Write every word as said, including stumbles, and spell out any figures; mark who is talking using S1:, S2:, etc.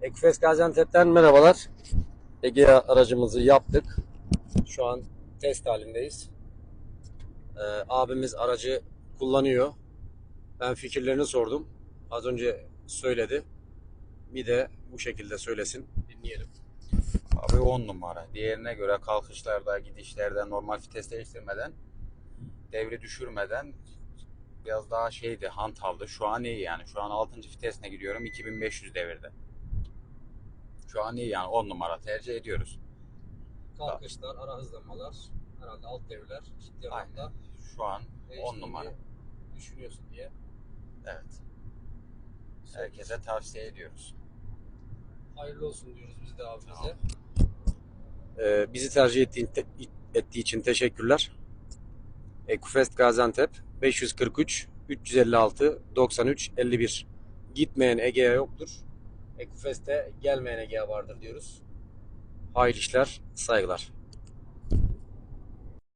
S1: Ekufes Gaziantep'ten merhabalar. Egea aracımızı yaptık. Şu an test halindeyiz. Ee, abimiz aracı kullanıyor. Ben fikirlerini sordum. Az önce söyledi. Bir de bu şekilde söylesin. Dinleyelim.
S2: Abi on numara. Diğerine göre kalkışlarda, gidişlerde normal vites değiştirmeden, devri düşürmeden biraz daha şeydi, hantaldı. Şu an iyi yani. Şu an altıncı vitesine gidiyorum iki bin beş yüz devirde. Şu an iyi yani on numara tercih ediyoruz.
S1: Kalkışlar, ara hızlamalar, herhalde alt devirler ciddi
S2: Aynen.
S1: anlamda
S2: Şu an on
S1: değiştiğini
S2: numara.
S1: düşünüyorsun diye.
S2: Evet. Herkese tavsiye ediyoruz.
S1: Hayırlı olsun diyoruz biz de abimize.
S2: Tamam.
S1: Ee, bizi tercih ettiğin, ettiği için teşekkürler. Ekufest Gaziantep beş yüz kırk üç üç yüz elli altı doksan üç elli bir. Gitmeyen Egea yoktur. Ekufest'te gelmeyen Egea vardır diyoruz. Hayırlı işler, saygılar.